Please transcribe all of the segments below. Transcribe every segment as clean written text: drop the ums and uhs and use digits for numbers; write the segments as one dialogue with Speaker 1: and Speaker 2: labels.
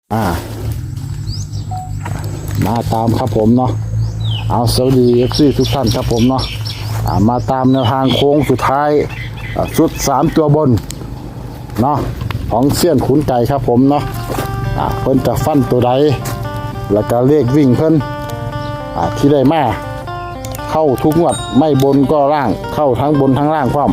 Speaker 1: มาตามครับผมเนาะเอาสวัสดีFCทุกท่านครับผมเนาะมาตามแนวทางโค้งสุดท้ายชุด3ตัวบนเนาะของเสี้ยนขุนไก่ครับผมเนาะเพิ่นจะฟันตัวใดแล้วก็เลขวิ่งเพิ่นที่ได้มาเข้าทุกงวดไม่บนก็ล่างเข้าทั้งบนทั้งล่างพร้อม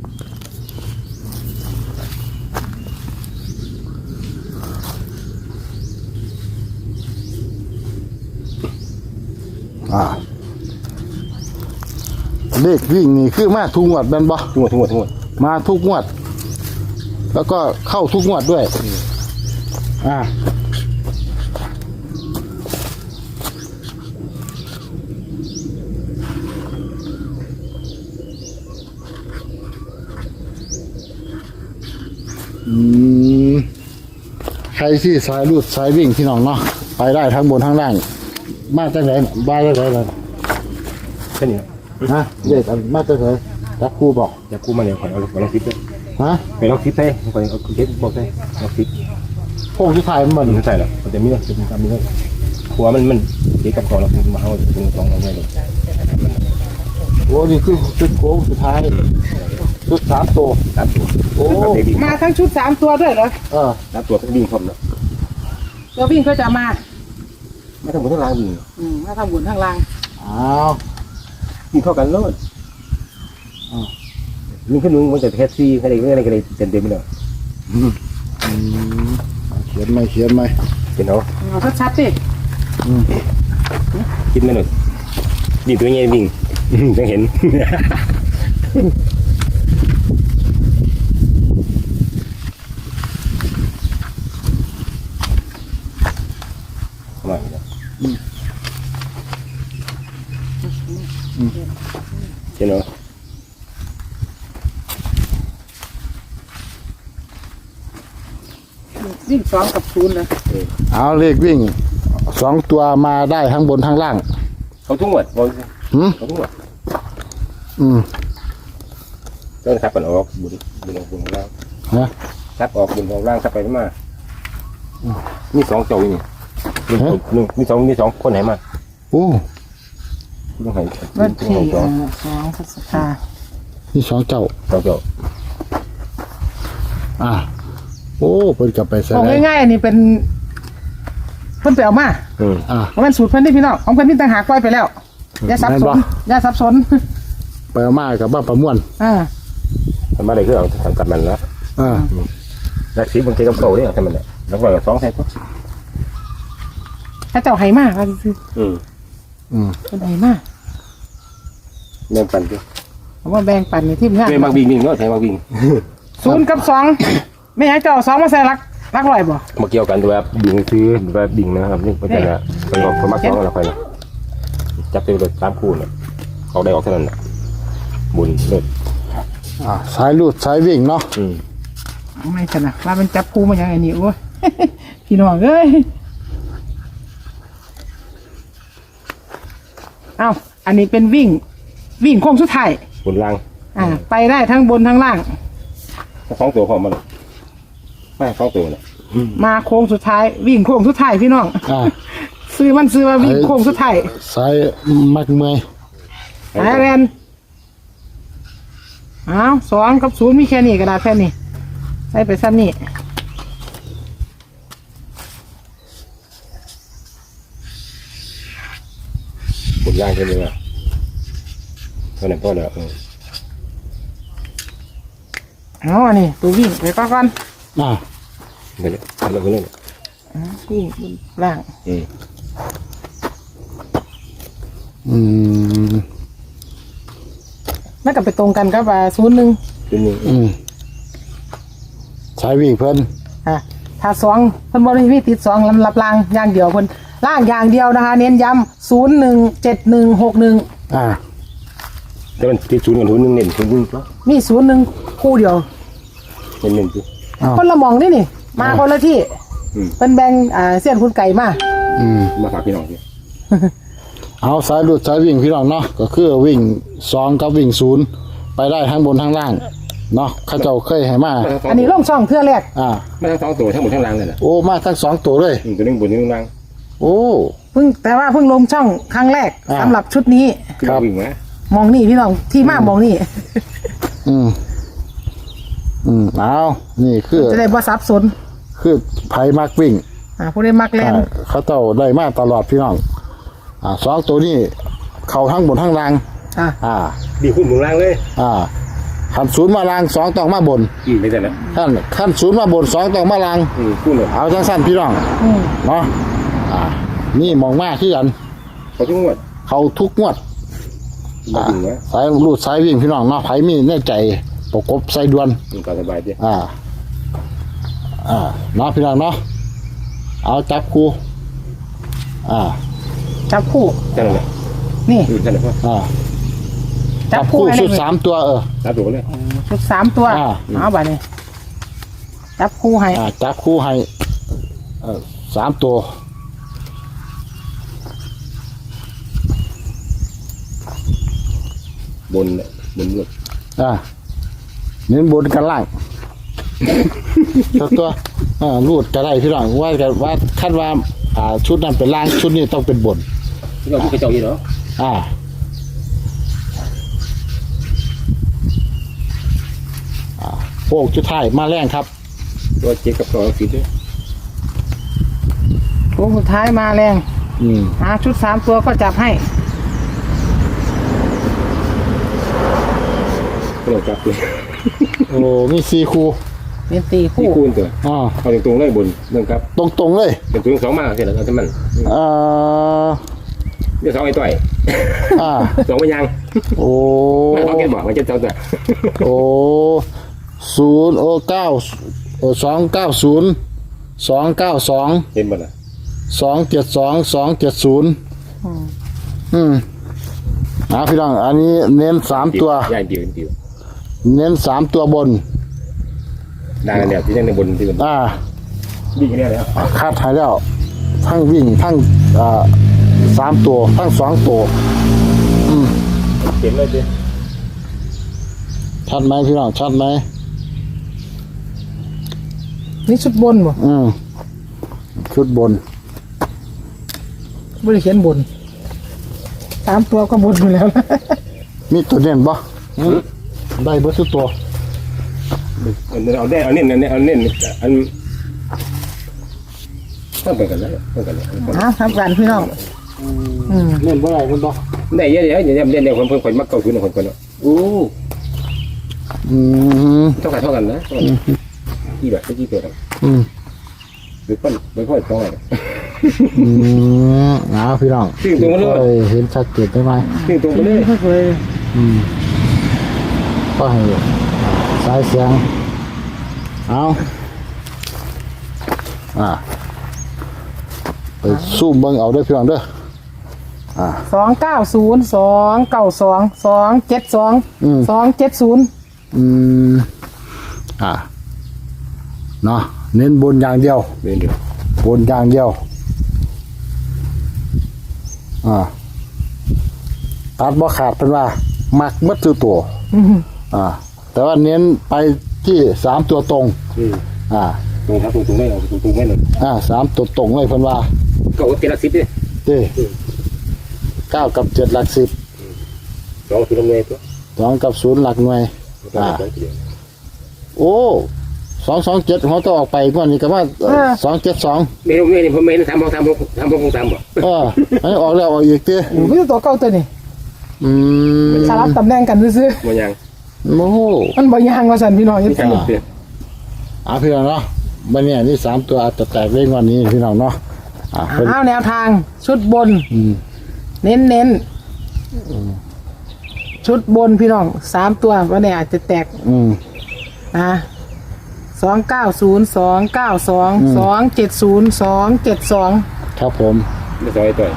Speaker 1: เลขวิ่งนี่คือมาทุกงวดแม่นบ่
Speaker 2: ทุกงวด
Speaker 1: มาทุกงวดแล้วก็เข้าทุกงวดด้วยใครที่สายรูดสายวิ่งพี่น้องเนาะไปได้ทั้งบนทั้งล่างมาจากไหนบ้านจากไหนเลย
Speaker 2: แค่นี้
Speaker 1: เด็กมาจากไหนจักครูบอก
Speaker 2: จักครูมาเนี่ยขอเอาลองคิดด้วยไปลองคิดได้ขอเอาคิดบอกได้ลองคิด
Speaker 1: โค้งที่ไทยมัน
Speaker 2: ใช่หรอมันจะมีนะจะมีการมีนะหัวมันเด็กกับของเรามาเอาถึงสองเราไม่เลย
Speaker 1: โอ้นี่คือชุดโค้งสุดท้ายชุด3 ตัว
Speaker 3: โอ้มาทั้งชุด3 ตัวด้วยเหรอ
Speaker 2: 3 ตัวก็วิ่งพร้อมแล้ว
Speaker 3: ตัววิ่งก็จะมา
Speaker 2: ไม่ทั้งบนทั้งล่างวิ่ง
Speaker 3: มาทำบุญทั้งล่าง
Speaker 2: วิ่งเข้ากันเลยวิ่งขึ้นมึงมันจะแท็กซี่อะไรก็เลยเต็มไปเลย
Speaker 1: เขียนไหม
Speaker 2: เป็น
Speaker 3: เอาชัดๆดิ
Speaker 2: คิดไม่หน่อยวิ่งตัวเงี้ยวิ่งต้องเห็นมาเห็นไหม
Speaker 3: วิ่ง2 กับ 0เลย
Speaker 1: เอาเลขวิ่ง2 ตัวมาได้ทั้งบนทั้งล่าง
Speaker 2: เขาทุ่งหมดเขาทุ่งหมดต้นขับกันออกบุญล่างขับออกบุญของล่างขับไปมามี2 เจ้านี่มี2คนไหนมา
Speaker 1: โอ้
Speaker 2: ต้องให้
Speaker 3: วันที่2 พฤษภา
Speaker 1: มี2 เจ้าโอ้เพิ่นกลับไปซะ
Speaker 3: แล้วง่ายๆอันนี้เป็นเพิ่นไปเอามาเพราะมันสูตรเพิ่นที่พี่น้องของเพิ่นมีต่างหากปล่อยไปแล้วอย่าสับสน
Speaker 1: ไปเอามากับบ้านประมวล
Speaker 2: มันมาได้คือเอาทำกับมันแล้วแล้วสีบางทีกับเก่าเนี่ยทำมันเนี่ยแล้วก็2 แท่ง
Speaker 3: ถ้าเจ้าไหมาก็คือเป็นไหมา
Speaker 2: แบ่งปันด้วย
Speaker 3: ผมว่าแบ่งปันในที่งาน
Speaker 2: บางวิ่งเนาะแทงบางวิ่ง
Speaker 3: 0 กับ 2ไม่ให้เจ้า2มาใส่รักลอยบ่
Speaker 2: มาเกี่ยวกันด้วยบิ่งซื้อแบบบิ่งนะครับนี่เป็นอะไรเป็นของพมัก2เราไปนะจับไปเลย3 คู่เนี่ยเอาได้ออกเท่านั้นนะบุญเลิศ
Speaker 1: สายลูดสายวิ่งเนาะ
Speaker 3: ไม่ขนาดว่ามันจับคู่มาอย่างนี้โอ้ยพี่น้องเอ้ยอันนี้เป็นวิ่งโค้งสุดท้าย
Speaker 2: บนล่าง
Speaker 3: ไปได้ทั้งบนทั้งล่าง
Speaker 2: 2 ตัวพร้อมมันไม่2 ตัวเนี่ย
Speaker 3: มาโค้งสุดท้ายวิ่งโค้งสุดท้ายพี่น้องซื้อว่าวิ่งโค้งสุดท้าย
Speaker 1: สายมักเมย์
Speaker 3: แรน2 กับ 0มีแค่นี้กระดาษแค่นี้ใส่ไปซ้ำนี่
Speaker 2: บนล่างใช่ไหมวะเท่านั้นพอแล้ว
Speaker 3: อันนี้ตัววิ่งไปก่อน
Speaker 2: ไปเลยเราก็เล่น
Speaker 3: วิ่งบนล่างแล้วก็ไปตรงกันกับ0 1
Speaker 1: สายวิ่งเพิ่น
Speaker 3: ถ้า2เพิ่นบ่ได้มีติด2ลำรับล่างอย่างเดียวเพิ่นล่างอย่างเดียวนะคะเน้นย้ำ0 1 7 1 6 1
Speaker 2: แต่มันติด0 กับ 0 1เน้น0
Speaker 3: มี0 1คู่เดียว
Speaker 2: เน้น
Speaker 3: คนละมองนี่มาคนละที่เป็นแบ่งเสี้ยนคุณไก่มา
Speaker 2: ฝากพี่น้องพี่
Speaker 1: เอาสายลูดสายวิ่งพี่น้องเนาะก็คือวิ่ง2 กับวิ่ง 0ไปได้ทั้งบนทั้งล่างเนาะเขาเจ้าเคยให้มา
Speaker 3: อันนี้ลงช่องเทื่อแรก
Speaker 2: ไม่ทั้งสองตัวทั้งหมดทั้งรางเลยนะ
Speaker 1: โอ้มาทั้ง2ตัวเลย
Speaker 2: ตัวนึงบนนึงราง
Speaker 1: โอ้
Speaker 3: แต่ว่าเพิ่งลงช่องครั้งแรก
Speaker 1: อ่า
Speaker 3: สำหรับชุดนี้
Speaker 2: คือวิ่งมาม
Speaker 3: องนี่พี่น้องที่มามองนี่
Speaker 1: อืมเอานี่คือ
Speaker 3: จะได้บ่สับสน
Speaker 1: คือไผมักวิ่ง
Speaker 3: ผู้ได้มักแลน
Speaker 1: เขาเจ้าได้มาตลอดพี่น้อง2ตัวนี้เข้าทั้งบนทั้งล่าง
Speaker 2: ดีขึ้นบนรางเลย
Speaker 1: ขันศูนย์มาล่าง2ต้องมาบน
Speaker 2: ไม่ใช่แล้ว
Speaker 1: ขั้นศูนย์มาบน2ต้องมาล่าง
Speaker 2: คู่เลย
Speaker 1: เอาจังสั้นพี่น้องเนาะนี่มองมากที่กัน
Speaker 2: เขาทุกงวด
Speaker 1: เขาทุกงวด
Speaker 2: มาถึงวะ
Speaker 1: สายรูดสายวิ่งพี่น้องเนาะไผมีแน่ใจประกบใส่ดวน
Speaker 2: ก็สบายดี
Speaker 1: เนาะพี่น้องเนาะเอาจับคู่
Speaker 3: จับคู่
Speaker 2: ใช่ไหม
Speaker 3: นี่
Speaker 2: ใช่ไหมพ่อ
Speaker 3: จับคู่ให้
Speaker 1: ชุด
Speaker 3: เลย
Speaker 1: 3ตัว
Speaker 2: ตัดตัวเลย
Speaker 3: ชุด3ตัวเอาบัดนี้จับคู่ให้
Speaker 1: จับคู่ให้3ตัว
Speaker 2: บนบนเลือด
Speaker 1: เน้นบนกันล่าง ตัวรูดก็ได้พี่น้องว่าคาดว่าชุดนั้นเป็นล่างชุดนี้ต้องเป็นบน
Speaker 2: ที่เราพูดกระจอกยี่เนาะ
Speaker 1: โป่งชุดไทายมาแรงครับ
Speaker 2: ตัวเจ็ดกับ2 10ด้วย
Speaker 3: โค้งสุดท้ายมาแรงชุด3ตัวก็จับให้
Speaker 2: ก็เราจับเลย
Speaker 1: โอ้มี4คู่
Speaker 3: เป็นตี
Speaker 2: ที่
Speaker 3: คู่
Speaker 2: คูณตัวเอาตรงๆเลยบนเรื่องครับ
Speaker 1: ตรงๆเลย
Speaker 2: เป็นตัว2มากใช่ไหมเอาแต่มันเดี๋ยว2ไอ้ต่อย2ไม่ยัง
Speaker 1: โอ้
Speaker 2: ไม่ต้องแกบอกมันจะเจ้าตัว
Speaker 1: โอ้290 292
Speaker 2: เห็นบ่ล่ะ
Speaker 1: 272 270พี่น้องอันนี้เน้น3ตัว
Speaker 2: ย่างเดียว
Speaker 1: เน้น3ตัวบน
Speaker 2: ดังกันแล้วที่ยังในบนที่บนดีกันแล้ว
Speaker 1: คาดหายแล้วทั้งวิ่งทั้ง3ตัวทั้ง2ตัว
Speaker 2: เห็นเลยดิ
Speaker 1: ชัดไหมพี่น้องชัดไหม
Speaker 3: นี่ชุดบนบ่
Speaker 1: ชุดบน
Speaker 3: ไม่ได้เขียนบน3ตัวก็บนอยู่แล้ว
Speaker 1: มีตัวเด่นปะได้เบอร์สุดตัว
Speaker 2: เอาได้เอาเน้นอันต้องไปกันแล้ว
Speaker 3: ทำกันพี่น้อง
Speaker 1: เล่นบ่ได้มันบ่
Speaker 2: ได้เยอะๆอย่าเล่นในคนมักเก่าทุนของคนเนาะโอ้เท่ากันนะกี่แบบกี่ตัวหรือป้อนไม่ค่อยต้องอะไร
Speaker 1: พี่น้อง
Speaker 2: ซึ่งตรงมาเลย
Speaker 1: เห็นชัดเจนได้ไหม
Speaker 2: ซึ่งตรงมาเลย
Speaker 3: ไม่เคย
Speaker 1: ก็ให้สายเสียงเอาไปซูมเบิ่งเอาด้วยพี่น้องเด้อ
Speaker 3: 290 292 272 270
Speaker 1: เนาะเน้นบนอย่างเดียว
Speaker 2: เดินเดียว
Speaker 1: บนอย่างเดียวตัดบ่ขาดเป็นว่ามักมัดตัวแต่ว่าเน้นไปที่3ตัวตรง
Speaker 2: ตรงครับตรงไม่เอาตรงไม่หนึ่ง
Speaker 1: 3ตัวตรงเลยเพิ่นว่า
Speaker 2: ก็เจ็ดละ10ดิ
Speaker 1: 9กับ7หลัก10
Speaker 2: 2คือลำเนยตัว
Speaker 1: 2กับ0หลักหน่วยโอ้227เขาต้องออกไปก่อนนี่ก็ว่า272
Speaker 2: ไม่รู้ไม่ผมไม่ทำบ่
Speaker 1: อันนี้ออกแล้วออกอีกติ
Speaker 3: ไม่ใช่ตัวเก่าตัวนี้สลับตำแหน่งกันซื่อ
Speaker 2: บ่ยัง
Speaker 1: โอ้โห
Speaker 3: มันบ่ยางว่าซั่นพี่น้องจังซี่
Speaker 1: พี่น้องเนาะบัดนี้นี่3ตัวอาจจะแตกเล่นวันนี้พี่น้องเนาะ
Speaker 3: แนวทางชุดบนเน้นชุดบนพี่น้อง3ตัววันนี้อาจจะแตก290 292 270 272
Speaker 1: ครับผม
Speaker 2: ไม่ซอยต่อย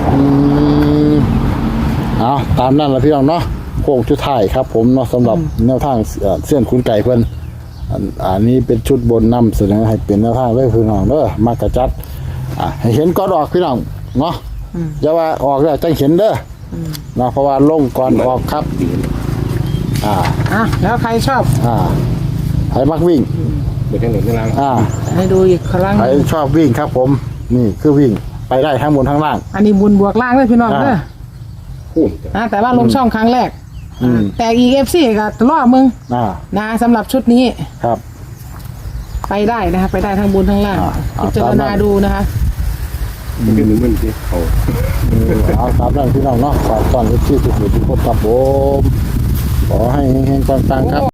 Speaker 1: ตามนั้นละพี่น้องเนาะโค้งชุดท้ายครับผมเนาะสำหรับแนวทางเส้นคุณไก่เพิ่นอันนี้เป็นชุดบนนำเสนอให้เป็นแนวทางเลยพี่น้องเด้อมากระจัดให้เห็นก่อนออกพี่น้องเนาะอย่าว่าออกแล้วจังเห็นเด้อเนาะเพราะว่าลงก่อนออกครับ
Speaker 3: แล้วใครชอบ
Speaker 1: ใครมักวิ่ง
Speaker 2: เดี๋ยวทั้งหมดทั้งล่าง
Speaker 3: ให้ดูอีกครั้ง
Speaker 1: ใครชอบวิ่งครับผม นี่คือวิ่งไปได้ทั้งบนทั้งล่าง
Speaker 3: อันนี้บุญบวกล่างเลยพี่น้องเด้อ
Speaker 2: คูณ
Speaker 3: แต่ว่าลงช่องครั้งแรกแต่ EFC ก็รอมึงนะสำหรับชุดนี้
Speaker 1: ครับ
Speaker 3: ไปได้นะคะไปได้ทั้งบนทั้งล่างพิจารณาดูนะคะ
Speaker 2: มันเป็นเหมือนที่เขา
Speaker 1: เอาตามนั้นพี่น้องเนาะฝากตอนที่ทุกคนครับผมขอให้เฮงๆปังๆครับ